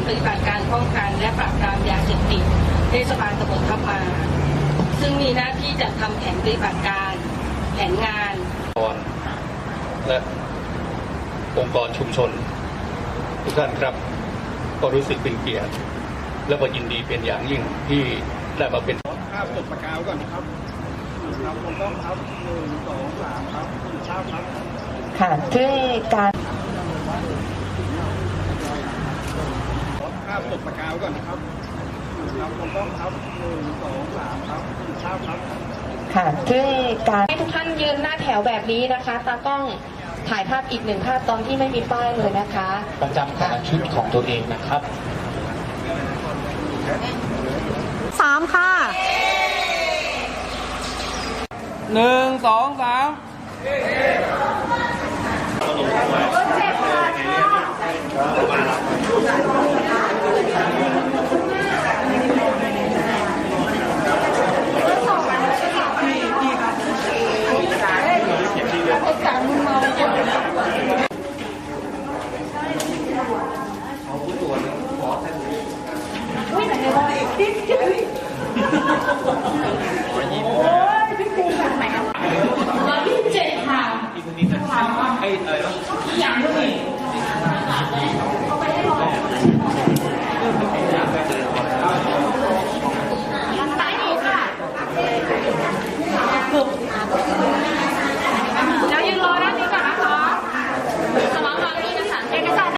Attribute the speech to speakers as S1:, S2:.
S1: ปฏิบัติการป้องกันและปราบปรามยาเสพติดเทศบาลตำบลทับมาซึ่งมีหน้าที่จัดทำแผนปฏิบัติการแผนงาน
S2: และองค์กรชุมชนทุกท่านครับก็รู้สึกเป็นเกียรติและก็ยินดีเป็นอย่างยิ่งที่ได้มาเป็น
S3: ภาพจดประกาวก่อนครับครับผมต้องครับ1 2 3ครับภาพครับ
S4: ค่ะที่การ
S3: ภาพจดประกาวก่อนครับครับผมต้องครับ1 2 3ครับภาพครับ
S4: ค่ะที่การ
S5: ให้ทุกท่านยืนหน้าแถวแบบนี้นะคะตากล้องถ่ายภาพอีก1 ภาพตอนที่ไม่มีป้ายเลยนะคะ
S6: ประจำการชุดของตัวเองนะครับ
S5: 3ค่ะ
S3: 1 2 3